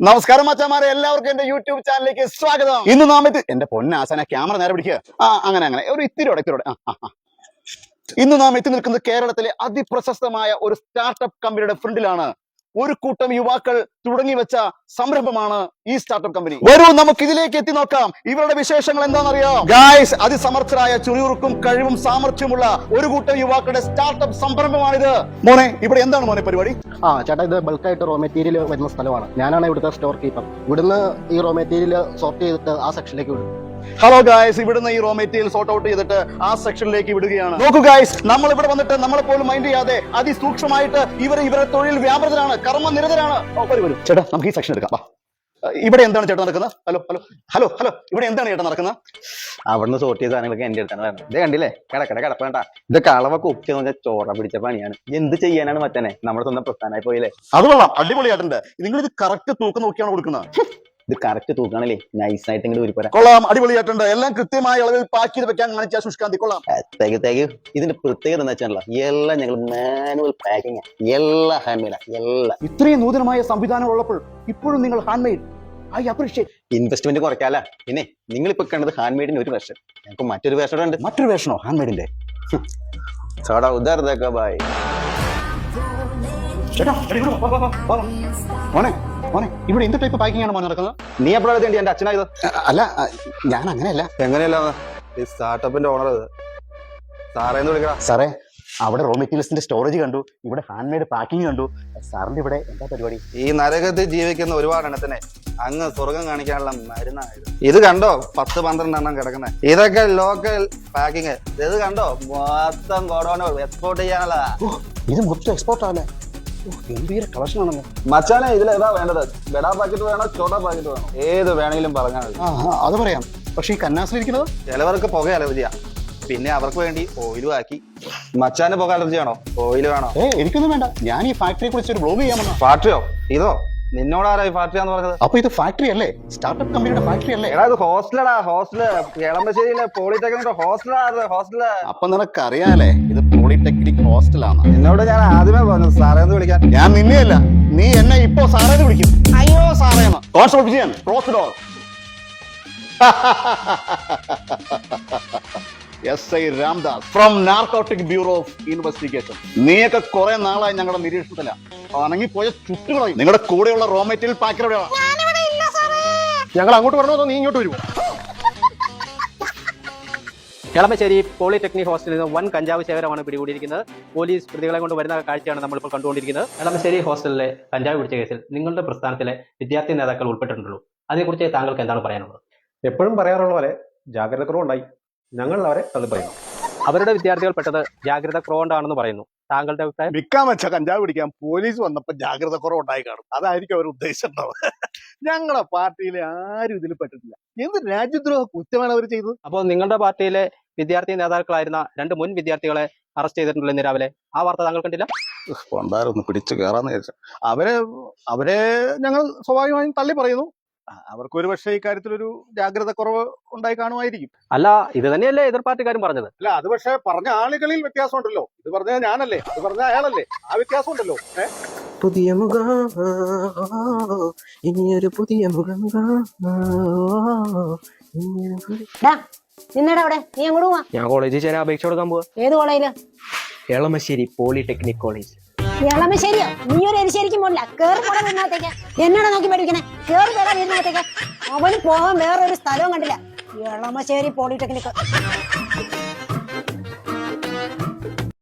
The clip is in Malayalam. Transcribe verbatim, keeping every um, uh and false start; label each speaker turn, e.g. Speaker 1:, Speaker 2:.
Speaker 1: നമസ്കാരം മച്ചാമാരെ, എല്ലാവർക്കും എന്റെ യൂട്യൂബ് ചാനലിലേക്ക് സ്വാഗതം. ഇന്ന് നാം ഇത് എന്റെ പൊന്നാസന ക്യാമറ നേരെ പിടിക്കുക. ആ അങ്ങനെ അങ്ങനെ ഒരു ഇത്തിരിയോടെ ഇത്തിരിയോടെ ആ ആ ഇന്ന് നാം എത്തി നിൽക്കുന്നത് കേരളത്തിലെ അതിപ്രശസ്തമായ ഒരു സ്റ്റാർട്ടപ്പ് കമ്പനിയുടെ ഫ്രണ്ടിലാണ്. ഒരു കൂട്ടം യുവാക്കൾ തുടങ്ങി വെച്ച സംരംഭമാണ് ഈ സ്റ്റാർട്ടപ്പ് കമ്പനി. വരൂ നമുക്ക് ഇതിലേക്ക് എത്തി നോക്കാം. ഇവരുടെ വിശേഷങ്ങൾ എന്താണെന്നറിയാം ഗായ്സ്? അതിസമർത്ഥരായ ചുറിയുറുക്കും കഴിവും സാമർഥ്യമുള്ള ഒരു കൂട്ടം യുവാക്കളുടെ സ്റ്റാർട്ടപ്പ് സംരംഭമാണിത്. മോനെ, ഇവിടെ എന്താണ് മോനെ പരിപാടി?
Speaker 2: ആ ചേട്ടാ, ഇത് ബൾക്കായിട്ട് റോ മെറ്റീരിയൽ വരുന്ന സ്ഥലമാണ്. ഞാനാണ് ഇവിടുത്തെ സ്റ്റോർ കീപ്പർ. ഇവിടുന്ന് ഈ റോ മെറ്റീരിയൽ സോർട്ട് ചെയ്തിട്ട് ആ സെക്ഷനിലേക്ക് വിടും.
Speaker 1: ഹലോ ഗായ്സ്, ഇവിടുന്ന് ഈ റോ മെറ്റീരിയൽ സോർട്ട് ഔട്ട് ചെയ്തിട്ട് ആ സെക്ഷനിലേക്ക് വിടുകയാണ്. നോക്കൂ ഗായ്സ്, നമ്മൾ ഇവിടെ വന്നിട്ട് നമ്മളെ പോലും മൈൻഡ് ചെയ്യാതെ അതിസൂക്ഷ്മമായിട്ട് ഇവർ ഇവരെ തൊഴിൽ വ്യാപൃതരാണ്, കർമ്മനിരതരാണ്. വരും ചേട്ടാ, നമുക്ക് ഈ സെക്ഷൻ എടുക്കാം. ഇവിടെ എന്താണ് ചേട്ടാ നടക്കുന്നത്? ഹലോ ഹലോ ഹലോ ഹലോ ഇവിടെ എന്താണ് ചേട്ടാ നടക്കുന്നത്?
Speaker 3: അവിടുന്ന് സോർട്ട് ചെയ്ത സാധനങ്ങളൊക്കെ എന്റെ അടുത്താണ് വരുന്നത്. ഇത് കണ്ടില്ലേ, കിടക്കട കിടപ്പേണ്ട. ഇതൊക്കെ അളവൊക്കെ ഉച്ച നോക്കിയാൽ ചോറ പിടിച്ച പണിയാണ്. എന്ത് ചെയ്യാനാണ് മറ്റനെ, നമ്മുടെ സ്വന്തം പ്രസ്ഥാനമായി പോയില്ലേ.
Speaker 1: അത് കൊള്ളാം, അടിപൊളിയായിട്ടുണ്ട്. നിങ്ങൾ ഇത് കറക്റ്റ് തൂക്കം നോക്കിയാണ് കൊടുക്കുന്നത്.
Speaker 3: ഇത് കറക്റ്റ് തൂക്കാണല്ലേ, നൈസ് ആയിട്ട് ഇങ്ങോട്ട് ഒരു പോരാ.
Speaker 1: കൊള്ളാം, അടിപൊളിയായിട്ടുണ്ട്. എല്ലാം കൃത്യമായ അളവിൽ പാക്ക് ചെയ്ത് വെക്കാൻ കാണിച്ച സുഷ്കാന്തി കൊള്ളാം.
Speaker 3: തേക്ക് തേക്ക് ഇതിന്റെ പ്രത്യേകത എന്താ വെച്ചാൽ എല്ലാം ഞങ്ങൾ മാനുവൽ പാക്കിംഗ്, എല്ലാ ഹാൻഡ് മെയ്ഡാ, എല്ലാം.
Speaker 1: ഇത്രയും നൂതനമായ സംവിധാനം ഉള്ളപ്പോൾ ഇപ്പോഴും നിങ്ങൾ hand made, I appreciate.
Speaker 3: Investment കുറയ്ക്കാല. പിന്നെ നിങ്ങൾ ഇപ്പൊ കണ്ടത് ഹാൻഡ് മെയ്ഡിന്റെ ഒരു വേർഷൻ, ഞങ്ങൾക്ക് മറ്റൊരു വേർഷൻ ഉണ്ട്.
Speaker 1: മറ്റൊരു വേർഷനോ ഹാൻഡ് മെയ്ഡിന്റെ?
Speaker 3: ചോടാ ഉദാർദക്ക ബായ്.
Speaker 1: മോനെ മോനെ, ഇവിടെ എന്ത് ടൈപ്പ് പാക്കിംഗ് ആണ് മോനെ നടക്കുന്നത്?
Speaker 3: നീ എപ്പോഴാണ് വേണ്ടി എന്റെ അച്ഛനായത്?
Speaker 1: അല്ല, ഞാൻ അങ്ങനെയല്ല.
Speaker 3: എങ്ങനെയല്ല ഈ സ്റ്റാർട്ടപ്പിന്റെ ഓണർ സാറേന്ന് വിളിക്കണം.
Speaker 1: സാറേ, അവിടെ റോ മെറ്റീരിയൽസിന്റെ സ്റ്റോറേജ് കണ്ടു, ഇവിടെ ഹാൻഡ് മെയ്ഡ് പാക്കിംഗ് കണ്ടു. സാറിന്റെ ഇവിടെ എന്താ പരിപാടി?
Speaker 3: ഈ നരകത്തിൽ ജീവിക്കുന്ന ഒരുപാട് എണ്ണത്തിനെ അങ്ങ് സ്വർഗം കാണിക്കാനുള്ള മരുന്നായത്. ഇത് കണ്ടോ, പത്ത് പന്ത്രണ്ട് എണ്ണം കിടക്കുന്നത്. ഇതൊക്കെ ലോക്കൽ പാക്കിങ്. ഇത് കണ്ടോ, മൊത്തം ഗോഡൌൺ എക്സ്പോർട്ട് ചെയ്യാനുള്ളതാ.
Speaker 1: ഇത് മൊത്തം എക്സ്പോർട്ട് ആണല്ലേ? ഗംഭീര കളക്ഷൻ ആണല്ലോ
Speaker 3: മച്ചാനെ. ഇതിൽ ഏതാ വേണ്ടത്? ബെഡാ പാക്കറ്റ് വേണോ ചോട്ടാ പാക്കറ്റ് വേണോ? ഏത് വേണമെങ്കിലും പറഞ്ഞാൽ മതി.
Speaker 1: അത് പറയാം. പക്ഷെ ഈ കന്നാസിലിരിക്കുന്നത്
Speaker 3: ചിലവർക്ക് പുക അലർജിയാ, പിന്നെ അവർക്ക് വേണ്ടി ഓയിലും ആക്കി. മച്ചാന് പുക അലർജി ആണോ? ഓയിൽ വേണോ?
Speaker 1: ഏ എനിക്കൊന്നും വേണ്ട. ഞാൻ ഈ ഫാക്ടറിയെ കുറിച്ച് ഒരു ബ്ലോഗ് ചെയ്യാമെന്നോ.
Speaker 3: ഫാക്ടറിയോ? ഇതോ നിന്നോടാരാ ഈ ഫാക്ടറിയാന്ന് പറഞ്ഞത്?
Speaker 1: അപ്പൊ ഇത് ഫാക്ടറി അല്ലേ? സ്റ്റാർട്ടപ്പ് കമ്പനിയുടെ ഫാക്ടറി അല്ലേ?
Speaker 3: എടാ, ഇത് ഹോസ്റ്റലടാ, ഹോസ്റ്റല്. എളമശ്ശേരിയിലെ പോളിടെക്നിക് ഹോസ്റ്റലാ, ഹോസ്റ്റല്.
Speaker 1: അപ്പൊ നിനക്കറിയാലേ ഇത് പോളിടെക്നിക് ഹോസ്റ്റലാണ്.
Speaker 3: എന്നോട് ഞാൻ ആദ്യമേ പറഞ്ഞു സാറേന്ന് വിളിക്കാൻ.
Speaker 1: ഞാൻ നിന്നെയല്ല, നീ എന്നെ ഇപ്പൊ സാറേന്ന് വിളിക്കും. അയ്യോ സാറേന്ന്. Constable Vijayan, close the door. S I Ramdas from narcotic bureau of investigation. നീയൊക്കെ കുറെ നാളായി ഞങ്ങളുടെ നിരീക്ഷണത്തില. അണങ്ങിപ്പോയ ചുറ്റുകളായി. നിങ്ങളുടെ കൂടെയുള്ള റോ മെറ്റീരിയൽ പാക്കർ എവിടെയാണ്?
Speaker 2: ഞങ്ങൾ അങ്ങോട്ട് പറഞ്ഞോ, നീ ഇങ്ങോട്ട് വരും.
Speaker 4: എളമശ്ശേരി പോളിടെക്നിക് ഹോസ്റ്റലിൽ നിന്ന് വൻ കഞ്ചാവ് ശേഖരമാണ് പിടികൂടിയിരിക്കുന്നത്. പോലീസ് പ്രതികളെ കൊണ്ട് വരുന്ന കാഴ്ചയാണ് നമ്മളിപ്പോൾ കണ്ടുകൊണ്ടിരിക്കുന്നത്. എളമശ്ശേരി ഹോസ്റ്റലിലെ കഞ്ചാവ് പിടിച്ച കേസിൽ നിങ്ങളുടെ പ്രസ്ഥാനത്തിലെ വിദ്യാർത്ഥി നേതാക്കൾ ഉൾപ്പെട്ടിട്ടുണ്ടല്ലോ. അതിനെക്കുറിച്ച് താങ്കൾക്ക് എന്താണ് പറയാനുള്ളത്?
Speaker 5: എപ്പോഴും പറയാറുള്ള പോലെ ജാഗ്രത കുറവുണ്ടായി, ഞങ്ങൾ അവരെ തള്ളി പറയുന്നു.
Speaker 4: അവരുടെ വിദ്യാർത്ഥികൾ പെട്ടത് ജാഗ്രത കുറവുണ്ടാണെന്ന് പറയുന്നു. താങ്കളുടെ അഭിപ്രായം?
Speaker 1: വിൽക്കാൻ വെച്ച കഞ്ചാവ് പിടിക്കാൻ പോലീസ് വന്നപ്പോ ജാഗ്രത കുറവുണ്ടായി കാണും. അതായിരിക്കും അവർ ഉദ്ദേശിച്ചിട്ടുണ്ടാവും. ഞങ്ങളെ പാർട്ടിയിലെ ആരും ഇതിൽ പെട്ടിട്ടില്ല. എന്ത് രാജ്യദ്രോഹ കുറ്റമാണ് അവർ ചെയ്തത്?
Speaker 4: അപ്പോൾ നിങ്ങളുടെ പാർട്ടിയിലെ വിദ്യാർത്ഥി നേതാക്കളായിരുന്ന രണ്ട് മുൻ വിദ്യാർത്ഥികളെ അറസ്റ്റ് ചെയ്തിട്ടുണ്ടല്ലോ ഇന്ന് രാവിലെ. ആ വാർത്ത താങ്കൾ കണ്ടില്ല?
Speaker 1: കൊണ്ടാരൊന്ന് പിടിച്ചു കയറാന്ന് വിചാരിച്ചു. അവരെ അവരെ ഞങ്ങൾ സ്വാഭാവികമായും തള്ളി പറയുന്നു. അവർക്ക് ഒരു പക്ഷേ ഇക്കാര്യത്തിലൊരു ജാഗ്രത കുറവ് ഉണ്ടായി കാണുമായിരിക്കും.
Speaker 4: അല്ല, ഇത് തന്നെയല്ലേ എതിർ പാർട്ടിക്കാരും പറഞ്ഞത്?
Speaker 5: അല്ല, അത് പക്ഷെ പറഞ്ഞ ആളുകളിൽ വ്യത്യാസമുണ്ടല്ലോ. ഇത് പറഞ്ഞ ഞാനല്ലേ, അത് പറഞ്ഞ അയാളല്ലേ, ആ വ്യത്യാസം ഉണ്ടല്ലോ.
Speaker 6: പുതിയ മുഖം, ഇനിയൊരു പുതിയ മുഖം.
Speaker 7: നിന്നടാ അവിടെ, നീ അങ്ങോട്ട് പോവാ.
Speaker 6: ഞാൻ കോളേജിൽ ചേരാൻ അപേക്ഷ കൊടുക്കാൻ പോവാ.
Speaker 7: ഏത് കോളേജില്?
Speaker 6: Elamassery polytechnic college.
Speaker 7: എളമശ്ശേരിയോ? നീ ഒരു എരിശ്ശേരിക്കും പോലില്ല. കേറി പോടാ വീടിനകത്തേക്ക്. എന്നോട് നോക്കി പഠിക്കണേ. കേറി പോടാ വീടിനകത്തേക്ക്. അവന് പോകാൻ വേറൊരു സ്ഥലവും കണ്ടില്ല. എളമശ്ശേരി പോളിടെക്നിക്.